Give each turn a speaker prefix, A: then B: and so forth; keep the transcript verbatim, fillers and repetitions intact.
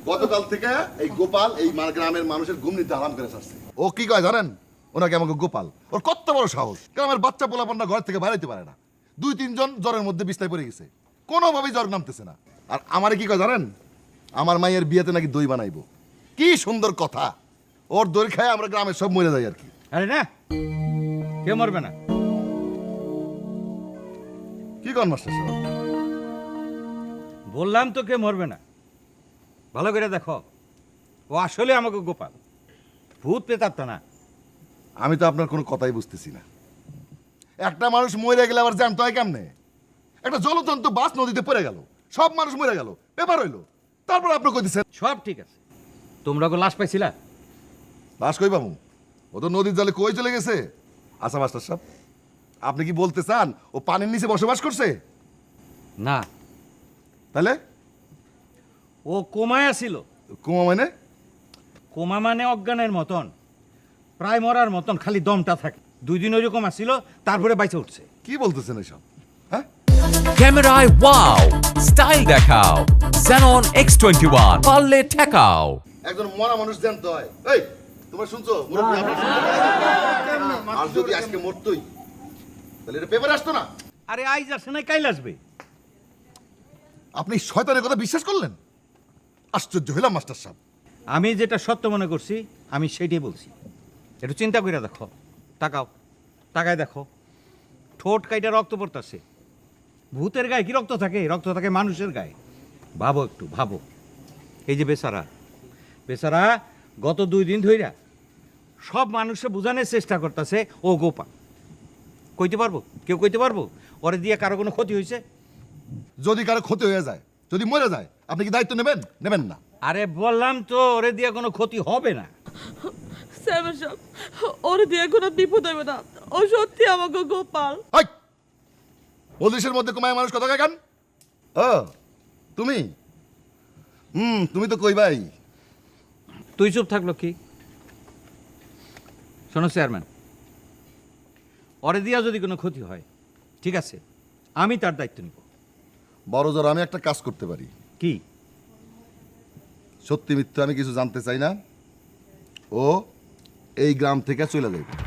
A: গতকাল থেকে এই গোপাল এই গ্রামের মানুষের ঘুম নিতে আরাম করে আসছে। ও কি কয় জানেন? ওনাকে আমাকে গোপাল, ওর কত বড় সাহস! গ্রামের বাচ্চা পোলাপান্না ঘর থেকে বাইরে পারে না। দুই তিনজন জ্বরের মধ্যে বিছনায় পড়ে গেছে, কোনোভাবেই জ্বর নামতেছে না। আর আমারে কি কয় জানেন? আমার মায়ের বিয়েতে নাকি দই বানাইবো। কি সুন্দর কথা! ওর দই খায় আমরা গ্রামের সব মরে যাই আর কি।
B: আরে না, কেউ মরবে না।
A: কি কন মাস্টার সাহেব?
B: বললাম তো কে মরবে না। ভালো করে দেখো, ও আসলে আমাকে গোপাল, ভূত প্রেতাত্মা না।
A: আমি তো আপনার কোনো কথাই বুঝতেছি না। একটা মানুষ মরে গেলে আবার জানতে হয় কেমনে? একটা জলজন্ত বাস নদীতে পড়ে গেল, সব মানুষ মরে গেল, পেপার হইলো, তারপর আপনি কই দিচ্ছেন
B: সব ঠিক আছে। তোমরা কো লাশ পাইছিলা?
A: লাশ কই পাবো? ও তো নদীর জলে কই চলে গেছে। আচ্ছা মাস্টার সাহেব, আপনি কি বলতে চান ও পানির নিচে বসবাস করছে?
B: না,
A: তাহলে
B: ও কোমায় ছিল।
A: কুমা মানে?
B: কোমা মানে অজ্ঞানের মতন, প্রায় মরার মতন, খালি দমটা থাকে। দুই দিন ওইরকম আসছিল, তারপরে বাইচে উঠছে।
A: কি বলতেছেন এসব? হ্যাঁ,
C: ক্যামেরায় ওয়াও, স্টাইল দেখাও। Xenon এক্স টোয়েন্টি ওয়ান পারলে ঠেকাও।
A: একজন মরা মানুষ জানতে হয়। এই তোমরা শুনছো? মুরব্বি আপনারা শুনছো? আর যদি আজকে মরতই তাহলে এটা পেপারে আসতো না।
B: আরে আইজ আসে নাই, কাইল আসবে।
A: আপনি শয়তানের কথা বিশ্বাস করলেন? আশ্চর্য হইলাম মাস্টার সাহেব।
B: আমি যেটা সত্য মনে করছি আমি সেইটাই বলছি। একটু চিন্তা করে দেখো, তাকাও, তাকায় দেখো, ঠোঁট কাইটা রক্ত পড়তেছে। ভূতের গায়ে কি রক্ত থাকে? রক্ত থাকে মানুষের গায়ে। ভাবো একটু, ভাবো। এই যে বেচারা, বেচারা গত দুই দিন ধইরা সব মানুষে বোঝানোর চেষ্টা করতেছে ও গোপা। কইতে পারবো? কেউ কইতে পারবো ওরে দিয়ে কারো কোনো ক্ষতি হয়েছে?
A: যদি কারো ক্ষতি হয়ে যায়, যদি মরে যায়, আপনি কি দায়িত্ব নেবেন? নেবেন না।
B: আরে বললাম তো, ওরে দিয়ে কোনো ক্ষতি হবে না।
D: স্যার সাহেব, ওর দিয়ে কোনো বিপদ হবে না। ও সত্যি আমাকে গোপাল।
A: হাই! পুলিশের মধ্যে কমায় মানুষ কথা কেন? ও তুমি? হুম, তুমি তো কই ভাই।
B: তুই চুপ থাকলো কি? শোনো চেয়ারম্যান, ওরে দিয়া যদি কোনো ক্ষতি হয়, ঠিক আছে, আমি তার দায়িত্ব নিব।
A: বড় জোর আমি একটা কাজ করতে পারি।
B: কি?
A: সত্যি মিথ্যা আমি কিছু জানতে চাই না। ও এই গ্রাম থেকে চলে যাবে।